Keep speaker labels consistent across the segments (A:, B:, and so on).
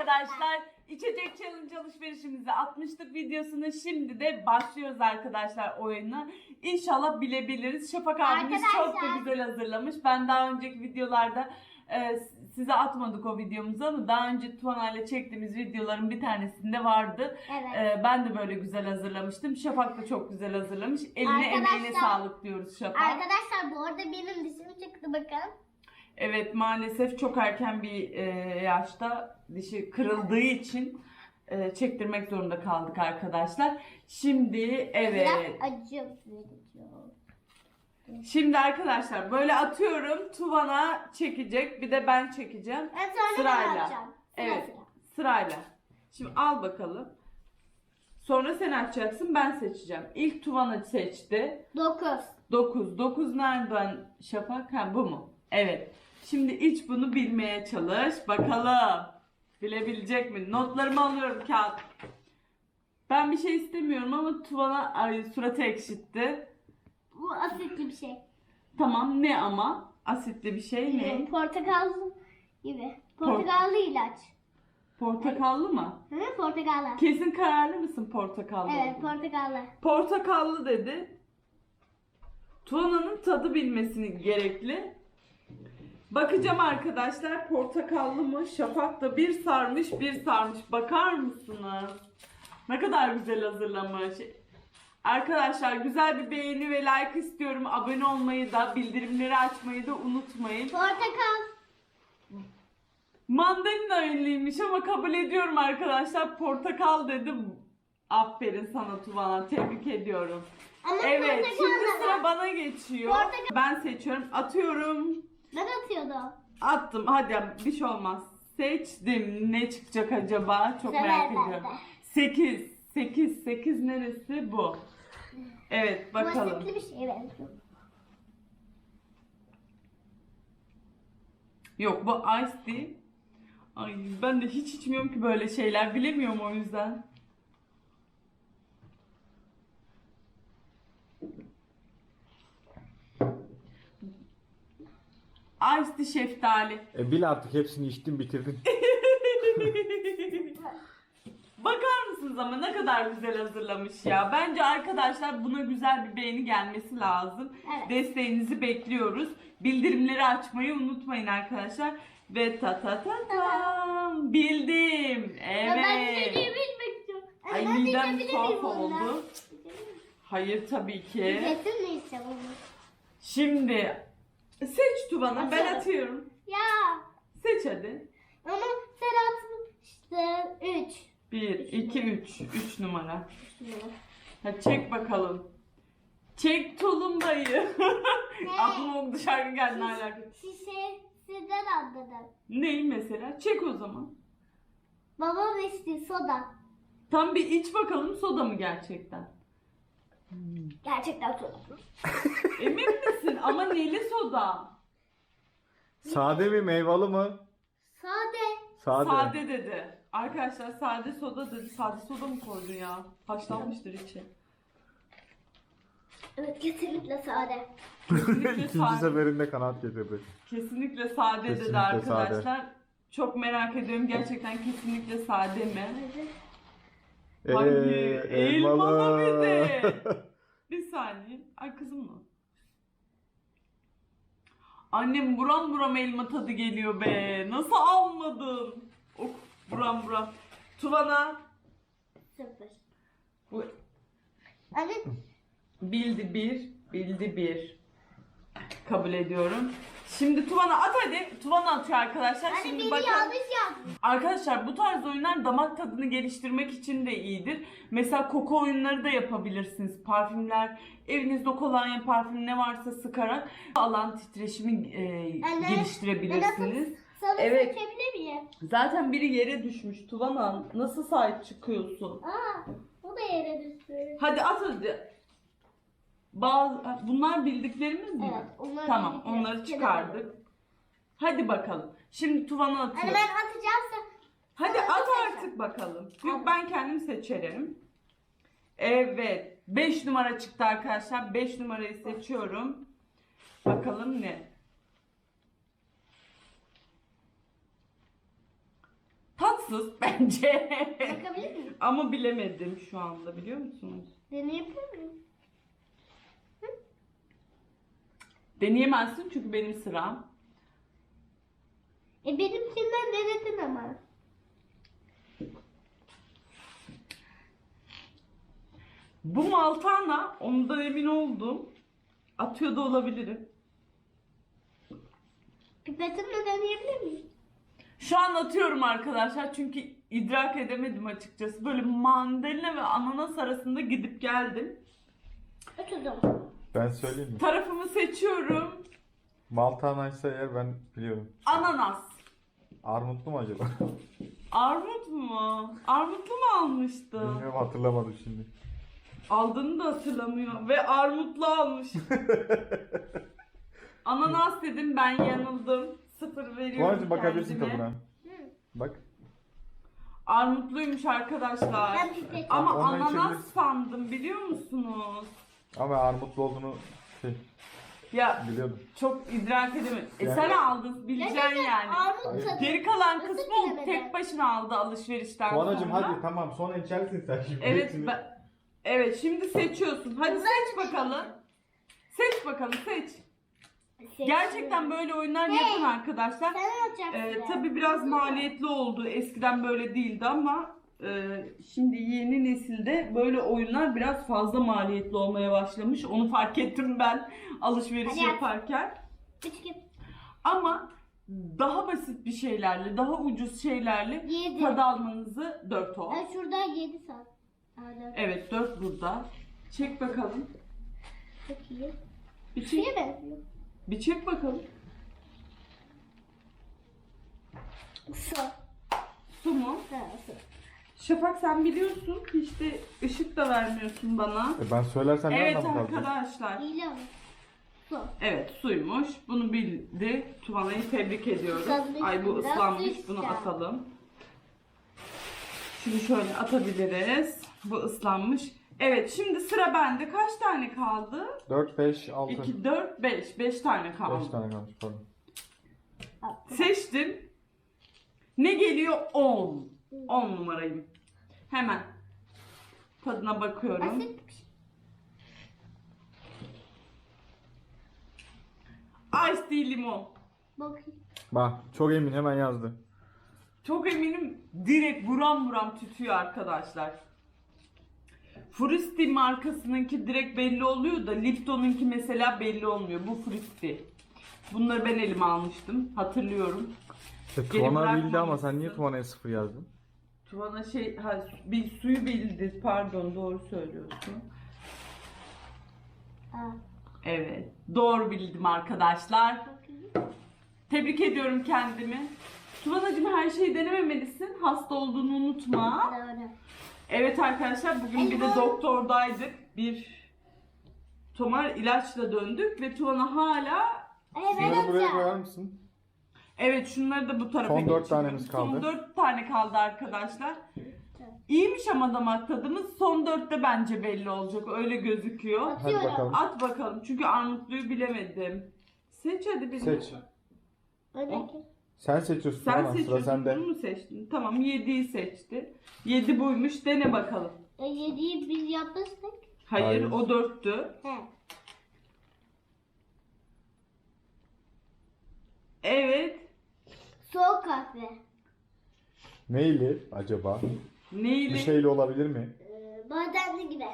A: arkadaşlar. İçecek challenge alışverişimizi atmıştık videosunu. Şimdi de başlıyoruz arkadaşlar oyuna. İnşallah bilebiliriz. Şafak abimiz çok da güzel hazırlamış. Ben daha önceki videolarda size atmadık o videomuzu ama daha önce Tuana ile çektiğimiz videoların bir tanesinde vardı.
B: Evet.
A: Ben de böyle güzel hazırlamıştım. Şafak da çok güzel hazırlamış. Eline emeğine sağlık diyoruz Şafak.
B: Arkadaşlar bu arada benim dişim çıktı bakın.
A: Evet, maalesef çok erken bir yaşta dişi kırıldığı için çektirmek zorunda kaldık arkadaşlar. Şimdi evet.
B: Biraz acı verici.
A: Şimdi arkadaşlar böyle atıyorum. Tuvana çekecek. Bir de ben çekeceğim.
B: Evet, sonra
A: Sırayla.
B: ben atacağım.
A: Evet, sırayla. Şimdi al bakalım. Sonra sen açacaksın, ben seçeceğim. İlk Tuvana seçti.
B: 9.
A: 9. 9 nereden Şafak? Ha, bu mu? Evet. Şimdi iç bunu bilmeye çalış. Bakalım. Bilebilecek mi? Notlarımı alıyorum kağıt. Ben bir şey istemiyorum ama Tuvana suratı ekşitti.
B: Bu asitli bir şey.
A: Tamam, ne ama? Asitli bir şey ne?
B: Portakallı gibi. Portakallı ilaç.
A: Portakallı mı?
B: Hı, portakallı.
A: Kesin kararlı mısın portakallı?
B: Evet,
A: olduğuna?
B: portakallı.
A: Portakallı dedi. Tuana'nın tadı bilmesini gerekli. Bakacağım arkadaşlar, portakallı mı? Şafak da bir sarmış bir sarmış. Bakar mısınız? Ne kadar güzel hazırlamış. Arkadaşlar güzel bir beğeni ve like istiyorum. Abone olmayı da, bildirimleri açmayı da unutmayın.
B: Portakal.
A: Mandalina ünlüymüş ama kabul ediyorum arkadaşlar. Portakal dedim. Aferin sana Tuvana. Tebrik ediyorum.
B: Ama
A: Evet,
B: portakal
A: şimdi
B: da
A: sıra
B: var.
A: bana geçiyor.
B: Portakal.
A: Ben seçiyorum. Atıyorum.
B: Ben atıyordum.
A: Attım. Hadi bir şey olmaz. Seçtim. Ne çıkacak acaba? Çok
B: Sever
A: merak
B: ben
A: ediyorum.
B: de.
A: 8. 8. 8 neresi? Bu. Evet,
B: Bu
A: bakalım.
B: asitli bir şeye benziyor.
A: Yok, bu ice tea. Ay, ben de hiç içmiyorum ki böyle şeyler. Bilemiyorum o yüzden. Ice tea şeftali.
C: Bil artık, hepsini içtin bitirdin.
A: Bakar mısınız ama ne kadar güzel hazırlamış ya. Bence arkadaşlar buna güzel bir beğeni gelmesi lazım.
B: Evet.
A: Desteğinizi bekliyoruz. Bildirimleri açmayı unutmayın arkadaşlar. Ve ta ta ta tam bildim.
B: Ya ben
A: Evet.
B: içeceği bilmek istiyorum.
A: Ay,
B: Ben
A: midem
B: içebilir
A: tuhaf
B: miyim
A: oldu.
B: ondan?
A: Hayır tabii ki.
B: Kesin mi içeceğim onu?
A: Şimdi seç Tuvan'a, ben
B: Atıyorum.
A: atıyorum.
B: Ya.
A: Seç hadi.
B: Ama sen atmıştın. 3.
A: 1, 2, 3. 3 numara. Hadi çek bakalım. Çek tulumbayı. Aklıma o dışarı geldi, ne alaka?
B: Şişesinden anladım.
A: Ney mesela? Çek o zaman.
B: Babam içti soda.
A: Tam bir iç bakalım, soda mı gerçekten?
B: Gerçekten soda.
A: Emin misin? Ama neli soda?
C: Sade mi, meyveli mı?
B: Sade.
C: Sade.
A: Sade dedi. Arkadaşlar sade soda dedi. Sade soda mı koydun ya? Haşlanmıştır içi.
B: Evet, kesinlikle sade.
A: Kesinlikle
C: İkinci
A: sade.
C: seferinde kanaat getirdi.
A: Kesinlikle sade dedi
C: Kesinlikle
A: arkadaşlar. Çok merak ediyorum, gerçekten kesinlikle sade mi? Hayır, elmalı bir de. Bir saniye. Ay kızım mı? Annem buram buram elma tadı geliyor be. Nasıl almadın? Oh, buram buram. Tuvana
B: 0.
A: bu
B: Anne
A: bildi bir, bildi bir. Kabul ediyorum. Şimdi Tuvana at hadi. Tuvana atıyor arkadaşlar.
B: Anne
A: Şimdi
B: beni
A: bakalım.
B: yanlış yaptın.
A: Arkadaşlar bu tarz oyunlar damak tadını geliştirmek için de iyidir. Mesela koku oyunları da yapabilirsiniz. Parfümler, evinizde kolonya, parfüm ne varsa sıkarak alan titreşimi
B: Anne,
A: geliştirebilirsiniz.
B: Sana
A: Evet.
B: seçebilir miyim?
A: Zaten biri yere düşmüş Tuvana. Nasıl sahip çıkıyorsun?
B: Aa, o da yere düştü.
A: Hadi at hadi. Bunlar bildiklerimiz mi?
B: Evet, onlar
A: Tamam,
B: bildiklerimiz.
A: onları çıkardık. Hadi bakalım. Şimdi Tuvana atıyor.
B: Anne ben atacağımsa.
A: Hadi
B: Sonra
A: at
B: seçeceğim.
A: artık bakalım. Yok,
B: Tamam.
A: ben kendim seçerim. Evet. 5 numara çıktı arkadaşlar. 5 numarayı seçiyorum. Bakalım ne? Tat tatsız bence.
B: Bakabilir miyim?
A: Ama bilemedim şu anda, biliyor musunuz?
B: Deneyebilir miyim?
A: Deneyemezsin çünkü benim sıram.
B: Benimkinden denedin ama.
A: Bu Maltana, ondan emin oldum. Atıyor da olabilirim.
B: Pipetimle deneyebilir miyim?
A: Şu an atıyorum arkadaşlar çünkü idrak edemedim açıkçası. Böyle mandalina ve ananas arasında gidip geldim.
B: Oturdum.
C: Ben söyleyeyim mi?
A: Tarafımı seçiyorum.
C: Maltanaysa eğer ben biliyorum.
A: Ananas.
C: Armutlu mu acaba?
A: Armut mu? Armutlu mu almıştım?
C: Bilmiyorum, hatırlamadım şimdi.
A: Aldığını da hatırlamıyor. Ve armutlu almış. Ananas dedim, ben yanıldım. 0 veriyorum
C: Tuğan'cığım bakabilirsin
A: kendime.
C: tadına.
B: Hı.
C: Bak.
A: Armutluymuş arkadaşlar.
B: Ben pipet.
A: Ama
C: Ondan
A: ananas
C: içebilirsin.
A: sandım, biliyor musunuz?
C: Ama armutlu olduğunu
A: Ya
C: biliyordum.
A: çok idrak edemedim.
C: Yani-
A: Sen aldın, bileceksin yani.
B: Armut
C: Hayır.
B: tadı.
A: Geri kalan
B: Nasıl
A: kısmı o
B: bilemedin?
A: tek başına aldı alışverişten
C: Tuğan'cığım
A: sonra.
C: hadi tamam, sonra içersin sen şimdi.
A: Evet,
C: hepsini.
A: evet, şimdi seçiyorsun. Hadi seç bakalım. Seç bakalım, seç. Gerçekten böyle oyunlar yapın arkadaşlar.
B: Sen alacaksın.
A: Tabii biraz maliyetli oldu. Eskiden böyle değildi ama şimdi yeni nesilde böyle oyunlar biraz fazla maliyetli olmaya başlamış. Onu fark ettim ben alışveriş
B: Hadi yap.
C: yaparken.
A: Ama daha basit bir şeylerle, daha ucuz şeylerle
B: 7.
A: tad almanızı 4 o.
B: Şurada 7 saat.
A: Evet, 4 burada. Çek bakalım.
B: Çok iyi.
A: Bir çek,
B: Şuraya benziyor.
A: bir çek bakalım.
B: Su.
A: Su mu?
B: Ha, su.
A: Şafak, sen biliyorsun. Hiç de ışık da vermiyorsun bana.
C: Ben söylersem ne
A: Evet
C: anlamı kalacak?
A: arkadaşlar.
B: İyi ama. Su.
A: Evet, suymuş. Bunu bildi. Tuvana'yı tebrik ediyoruz.
B: Islanmış,
A: Ay, bu
B: biraz
A: ıslanmış.
B: su
A: Bunu
B: ister.
A: atalım. Şimdi şöyle atabiliriz. Bu ıslanmış. Evet, şimdi sıra bende. Kaç tane kaldı?
C: 4, 5, 6.
A: 2, 4, 5. 5 tane
C: 5
A: kaldı.
C: tane kalmış pardon.
A: Seçtim. Ne geliyor? 10. 10 numarayım. Hemen tadına bakıyorum.
B: Basit bir şey.
A: Ice tea limon.
B: Bakayım.
C: Bak çok emin, hemen yazdı.
A: Çok eminim, direkt buram buram tütüyor arkadaşlar. Fruity markasınınki direkt belli oluyor da Lipton'unki mesela belli olmuyor. Bu Fruity. Bunları ben elime almıştım. Hatırlıyorum.
C: Tuana bildi ama
A: bırakmamışsın.
C: sen niye Tuana'ya 0 yazdın?
A: Tuvana bir suyu bildi. Pardon, doğru söylüyorsun.
B: Aa,
A: Evet. Doğru bildim arkadaşlar.
B: bakayım.
A: Tebrik ediyorum kendimi. Tuvanacığım, her şeyi denememelisin. Hasta olduğunu unutma.
B: Doğru.
A: Evet arkadaşlar, bugün bir de doktordaydık. Bir tomar ilaçla döndük ve Tuvana hala...
B: Evet,
C: Bunları buraya
B: hocam.
C: koyar mısın?
A: Evet, şunları da bu tarafa
C: Son 4
A: geçiyorum.
C: tanemiz kaldı.
A: Son 4 tane kaldı arkadaşlar. İyiymiş ama damak tadımız. Son 4'te bence belli olacak. Öyle gözüküyor.
C: Hadi
B: Atıyorum.
C: bakalım.
A: At bakalım. Çünkü armutluyu bilemedim. Seç hadi birini.
C: Seç.
B: Öndeki.
C: Sen seçiyorsun
A: Sen
C: Tuana, sıra
A: seçiyorsun.
C: sende.
A: Bunu mu seçtin? Tamam, 7'yi seçti. 7 buymuş. Dene bakalım.
B: 7'yi biz yapmıştık.
A: Hayır,
C: Hayır.
A: o 4'tü.
B: He.
A: Evet.
B: Soğuk kahve.
C: Neyle acaba?
A: Neyli?
C: Bir şeyle olabilir mi?
B: Badenli gibi.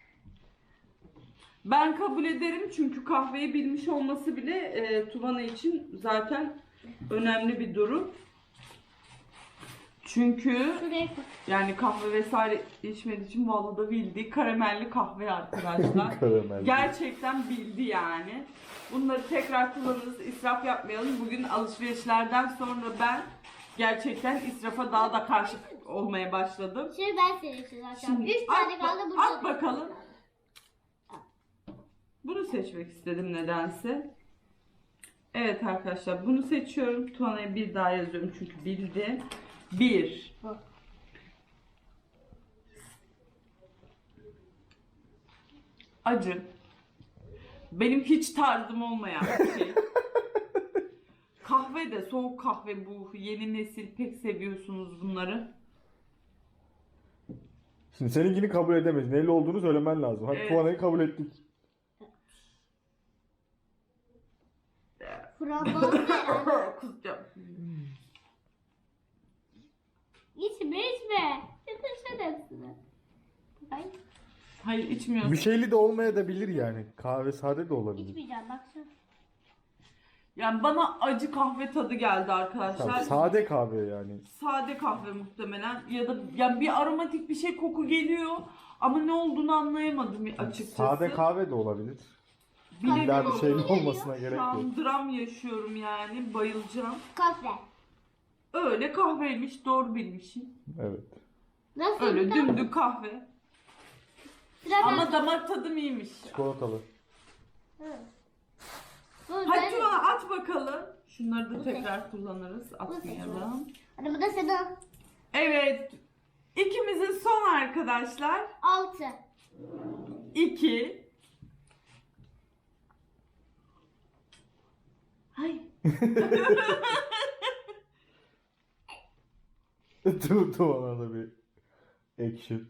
A: Ben kabul ederim çünkü kahveyi bilmiş olması bile Tuvana için zaten önemli bir durum. Çünkü
B: Şuraya koy.
A: yani kahve vesaire içmediği için vallahi da bildi. Karamelli kahve arkadaşlar.
C: Karamel.
A: Gerçekten bildi yani. Bunları tekrar kullanırız, israf yapmayalım. Bugün alışverişlerden sonra ben gerçekten israfa daha da karşı olmaya başladım.
B: Şimdi ben seçeceğim zaten.
A: Şimdi
B: 3 tane
A: at,
B: kaldı burada.
A: at bakalım. Bunu seçmek istedim nedense. Evet arkadaşlar, bunu seçiyorum. Tuana'ya bir daha yazıyorum çünkü bildi. 1.
B: Bu.
A: Acı. Benim hiç tarzım olmayan bir şey. Kahve de, soğuk kahve bu. Yeni nesil pek seviyorsunuz bunları.
C: Şimdi seninkini kabul edemeyiz. Neyle olduğunu söylemen lazım. Hadi
A: Evet.
C: Tuana'yı kabul ettik.
B: Frambuaz herhalde.
A: Kusacağım.
B: İçme içme. Bitirsen hepsini. Ay,
A: Hayır içmiyorsun.
C: Bir şeyli de olmayabilir yani. Kahve sade de olabilir.
B: içmeyeceğim baksana.
A: Yani bana acı kahve tadı geldi arkadaşlar.
C: Tamam, sade kahve yani.
A: Sade kahve muhtemelen ya da yani bir aromatik bir şey koku geliyor ama ne olduğunu anlayamadım açıkçası.
C: Sade kahve de olabilir.
A: Bilemiyorum.
C: İlla bir şeyli olmasına
A: Şu
C: gerek yok.
A: an dram yaşıyorum yani bayılacağım.
B: Kahve.
A: Öyle kahveymiş doğru bilmişim.
C: Evet.
B: Nasıl?
A: Öyle
B: bir
A: dümdük kahve.
B: Sıra
A: Ama
B: ben.
A: damak tadım iyiymiş.
C: Çikolatalı.
B: Hı. Bu
A: Hadi
B: ben-
A: Tuana at bakalım. Şunları da tekrar kullanırız. Atmayalım.
B: Hadi bu da senin.
A: Evet. İkimizin son arkadaşlar.
B: 6.
A: 2. Hay.
C: Tuana da bir action.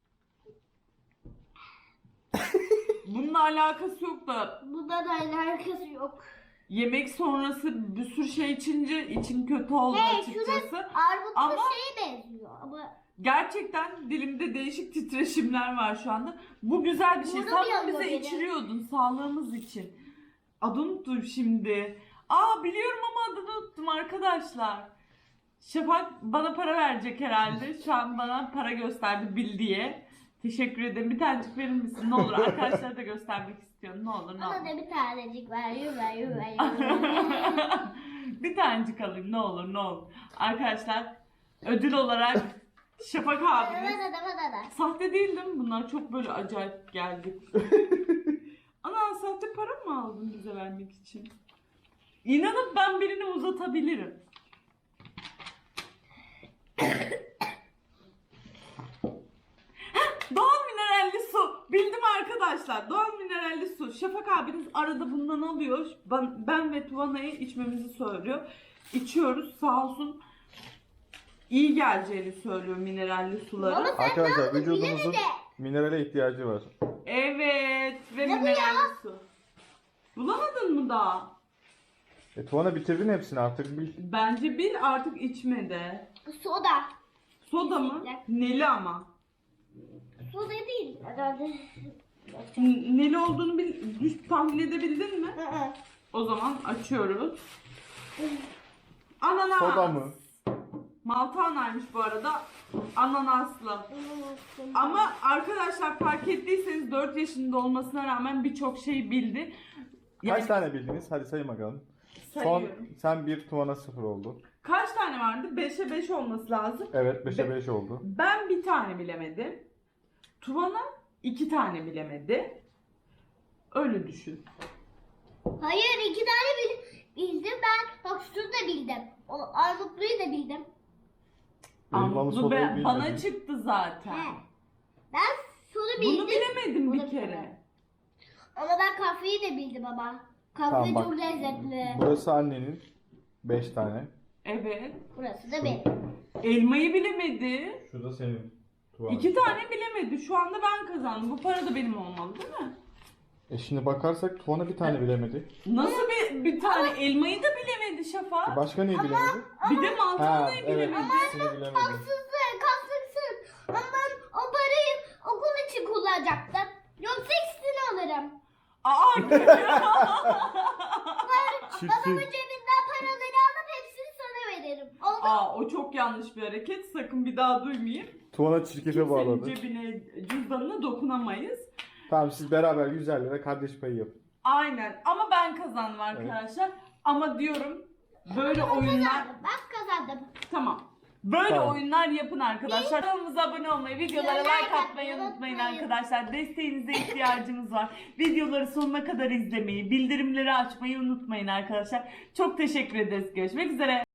A: Bununla alakası yok da
B: Bunda da alakası yok.
A: yemek sonrası bir sürü şey içince içim kötü oldu
B: Hey,
A: açıkçası.
B: Armutlu
A: Ama-
B: şeye benziyor ama
A: Gerçekten dilimde değişik titreşimler var şu anda. Bu güzel bir şey.
B: Burada
A: Sen
B: bir
A: bunu
B: yanıyor
A: bize
B: benim.
A: içiriyordun sağlığımız için. Adını unuttum şimdi. Aa biliyorum ama adını unuttum arkadaşlar. Şafak bana para verecek herhalde. Şu an bana para gösterdi bil diye. Teşekkür ederim. Bir tanecik verir misin? Ne olur. Arkadaşlara da göstermek istiyorum. Ne olur ne
B: bana
A: olur.
B: da bir tanecik ver. Yürü.
A: Bir tanecik alayım ne olur ne olur. Arkadaşlar ödül olarak Şafak abimiz.
B: Bana.
A: Sahte değil değil mi bunlar? Çok böyle acayip geldi. Ana sahte para mı aldın bize vermek için? İnanıp ben birini uzatabilirim. Heh, doğal mineralli su. Bildim arkadaşlar. Doğal mineralli su. Şafak abiniz arada bundan alıyor. Ben ve Tuvana'yı içmemizi söylüyor. İçiyoruz. Sağ olsun. İyi geleceğini söylüyor mineralli suları.
B: Ama-
C: Arkadaşlar
B: Bilemedi.
C: vücudumuzun minerale ihtiyacı var.
A: Evet ve
B: Ne bu
A: mineralli su. Bulamadın mı daha?
C: Tuana bitirdin hepsini artık bil.
A: Bence bir artık içmede.
B: Soda.
A: Soda mı? Neli ama.
B: Soda değil herhalde.
A: Neli olduğunu tahmin edebildin mi?
B: Hı.
A: O zaman açıyoruz. Ananas.
C: Soda mı?
A: Maltanaymış bu arada. Ananaslı. Ama arkadaşlar fark ettiyseniz 4 yaşında olmasına rağmen birçok şey bildi.
C: Kaç tane bildiniz? Hadi sayın bakalım. Son
A: sayıyorum.
C: sen 1, Tuana 0 oldu.
A: Kaç tane vardı? 5'e 5 olması lazım.
C: Evet 5'e 5 oldu.
A: Ben bir tane bilemedim. Tuvana 2 tane bilemedi. Öyle düşün.
B: Hayır 2 tane bildim ben. Bak şunu da bildim. O armutluyu da bildim.
C: Elmalı
A: Anadolu
C: sodayı
A: bana
C: bilmedin.
A: çıktı zaten.
B: He. Ben şunu bildim.
A: Bunu bilemedim
B: Bunu
A: bir kere.
B: bilemedim. Ama ben kahveyi de bildim ama. Kahve
C: Tamam, bak.
B: çok lezzetli.
C: Burası annenin 5 tane.
A: Evet.
B: Burası da benim.
A: Elmayı bilemedi.
C: Şu da senin. Tuana.
A: 2 tane bilemedi. Şu anda ben kazandım. Bu para da benim olmalı değil mi?
C: Şimdi bakarsak Tuana bir tane bilemedi.
A: Nasıl bir tane elmayı da bilemedi Şafak.
C: Başka neyi bilemedi?
A: Bir de
C: Ha
A: mantarlayı
C: evet
A: bilemedi.
C: ikisini bilemedi.
B: Haksızsın. Ama ben o parayı okul için kullanacaktım. Yoksa ikisini alırım.
A: Aa,
C: Çirkin.
B: Babamın cebinden paraları alıp hepsini sana veririm. Oldu mu?
A: Aa, o çok yanlış bir hareket. Sakın bir daha duymayayım.
C: Tuana çirkefe
A: Senin
C: bağladı.
A: cebine, cüzdanına dokunamayız.
C: Tamam siz beraber 150 lira kardeş payı yapın.
A: Aynen. Ama ben kazandım arkadaşlar. Ama diyorum böyle oyunlar...
B: Kazandım. Ben kazandım.
A: Tamam. Böyle
C: Tamam.
A: oyunlar yapın arkadaşlar. Kanalımıza abone olmayı, videolara like atmayı unutmayın arkadaşlar. Desteğinize ihtiyacımız var. Videoları sonuna kadar izlemeyi, bildirimleri açmayı unutmayın arkadaşlar. Çok teşekkür ederiz. Görüşmek üzere.